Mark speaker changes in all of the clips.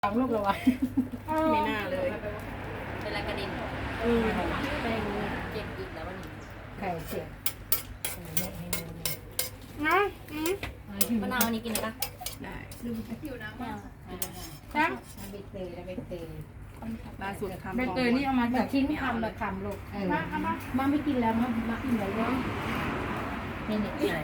Speaker 1: สองลูกแล้ววะไม่น่าเลย
Speaker 2: เป็นอะไรกระดิ่ง
Speaker 1: แป้ง
Speaker 2: เก็บอีกแล้ววันนี้
Speaker 1: ไข่เสียบ
Speaker 2: มะนาววันนี้กินได้ปะ
Speaker 1: ได้
Speaker 3: จ้ะ
Speaker 1: ใบเตยแล้วใบเตย
Speaker 3: ล่าสุดทำ
Speaker 1: ใบเตยนี่เอามาจากชิ้นคำแบบคำลูกมาไม่กินแล้วมากินไหนวะนี่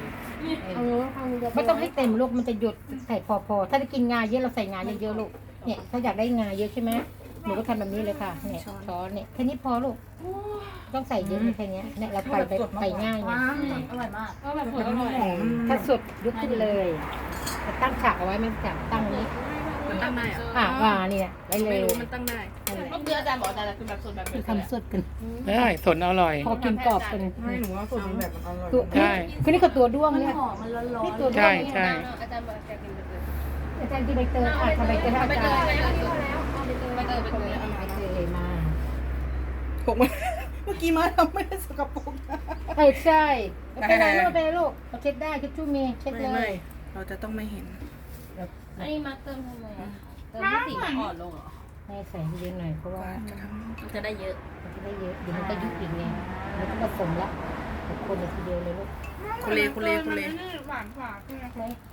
Speaker 1: ไม่ต้องให้เต็มลูกมันจะหยุดใส่พอถ้าจะกินงาเยอะเราใส่งาเยอะๆลูกเนี่ยถ้าอยากได้งาเยอะใช่ไหมหนูก็ทำแบบนี้เลยค่ะเนี่ยช้อนเนี่ยแค่นี้พอลูกต้องใส่เยอะแค่นี้เนี่ยเราไปง่ายไง
Speaker 2: อร่อยมาก
Speaker 3: ก็แบบอร่อย
Speaker 1: ถ้าสดยกขึ้นเลยตั้งฉากเอาไว้ไม่ฉากตั้งนี้
Speaker 3: มันตั้งได้อะ
Speaker 1: เนี่ยไว้เล
Speaker 3: ไม่
Speaker 1: ย
Speaker 3: รู้มันตั้งได้
Speaker 2: เมื่อกี้อาจารย์บอกอาจารย์จะกินแบบสดแบบ
Speaker 1: คือทำสดกัน
Speaker 4: ได้สดอร่อย
Speaker 1: พอกินกรอบกัน
Speaker 3: ไม่หนูว่าสูตรมันแบบมันอร่อย
Speaker 1: ตัว
Speaker 4: ใช่
Speaker 1: คือนี่ก็ตัวด้วง
Speaker 2: มัน
Speaker 1: เนี่ย
Speaker 2: หอมมันร้อน
Speaker 1: นี่ตัวด้ว
Speaker 4: ใช่
Speaker 1: ง
Speaker 4: ใช่
Speaker 2: อาจารย์บอกจะกินแบบ
Speaker 1: อาจารย์กินใบเตยทำใบเตยให้อาจารย์
Speaker 2: ไปเตย
Speaker 1: ใบเตยมา
Speaker 3: ผมเมื่อกี้มาทำไม่ได้สกปรกนะ
Speaker 1: ใช่ไม่เป็นไรลูกไม่เป็นไรลูกเราเช็ดได้เช็ดชู่มีเช็ดเล
Speaker 3: ไม่
Speaker 1: ย
Speaker 3: เราจะต้องไม่เห็น
Speaker 2: อันนี้มาเติมทำไมอ่ะเติมให้สีอ่อนลงเหรอ
Speaker 1: ให้ใส่เยอะหน่อยเพราะว่า
Speaker 3: จะท
Speaker 2: มันจะได้เยอะ
Speaker 1: มันจะได้เยอะเดี๋ยวมันก็ยุบอีกไงมันก็ผสมละคนทีเดียวเลยลูก
Speaker 3: ำคุเลคุเลคุเล
Speaker 5: หวานกว่าใช่ไหม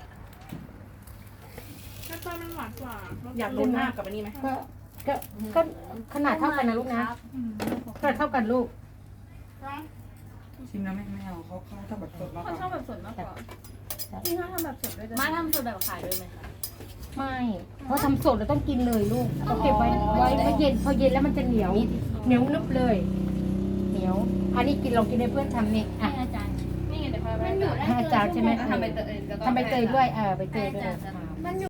Speaker 5: แค่ต้นมันหวานกว่า
Speaker 3: อยากรู้หน้ากับอันนี้ไหม
Speaker 1: ก็ขนาดเท่ากันนะลูกนะขนาดเท่ากันลูก
Speaker 3: ชิมแล้วไม่เอาเขาทำแบบสดมากก
Speaker 5: เขาชอบ
Speaker 3: ว่า
Speaker 5: แบบสดมากกว่าที่เขาทำแบบสดด้วย
Speaker 2: มาทำสดแบบขายด้วยไหมคะ
Speaker 1: ไม่เพราะทำสดเราต้องกินเลยลูกต้องเก็บไว้เย็นพอเย็นแล้วมันจะเหนียวนึบเลยเหนียวอันนี้กินลองกินให้เพื่อนทำนี่อ่ะ
Speaker 2: ให้อาจารย์
Speaker 5: นี่ไงเดี๋ยวพาไป
Speaker 1: ให้อาจารย์ใช่ไหม
Speaker 5: ทำใบเตย
Speaker 1: ทำใบเตยด้วยใบเตยด้วย
Speaker 2: ให้อาจารย์
Speaker 5: มันอยู่